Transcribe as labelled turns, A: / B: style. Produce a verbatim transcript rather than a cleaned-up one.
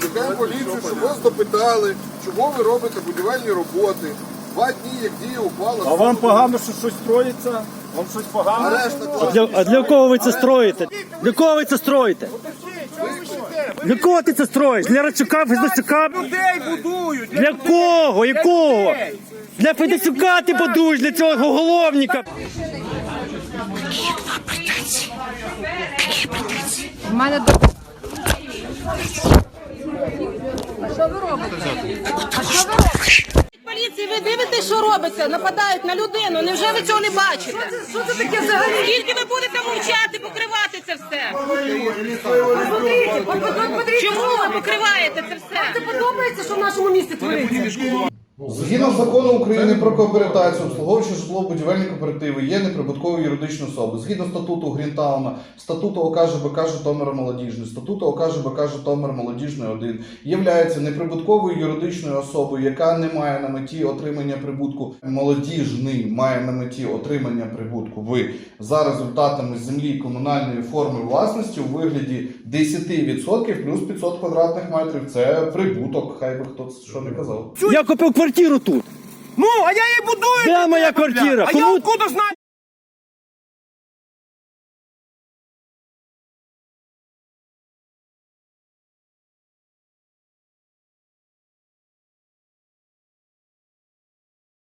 A: Викликаємо поліцію, щоб вас допитали, чого ви робите будівельні роботи. Два дні, як діє ухвала.
B: А вам погано, що щось строїться? Вам щось погано?
A: Арешта,
C: Для, а для кого ви це строїте? Для кого ви це строїте? Для кого ти це строїш? Для Радчука, Федосюка?
B: Людей будують!
C: Для кого? Якого? Для Федосюка ти будуєш, для цього уголовника.
D: У мене до... А що ви робите? А що ви робите?
E: Поліції, ви дивитесь, що робиться? Нападають на людину. Невже ви цього не бачите? Що це таке взагалі? Скільки ви будете мовчати, покривати це все? Чому ви покриваєте це все?
D: Це подобається, що в нашому місті твориться?
F: Згідно закону України про кооперацію, обслуговуючи житлово-будівельні кооперативи є неприбутковою юридичною особою. Згідно статуту Грінтауна, статуту ОК ЖБК Житомира Молодіжний, статуту ОК ЖБК Житомир Молодіжний один, являється неприбутковою юридичною особою, яка не має на меті отримання прибутку. Молодіжний має на меті отримання прибутку ви за результатами землі комунальної форми власності у вигляді десять відсотків плюс п'ятсот квадратних метрів. Це прибуток, хай би хто що не казав.
C: Я купив квартиру тут.
B: Ну, а я її будую!
C: Де моя квартира?
B: А я
C: Кому-
B: откуда знаю?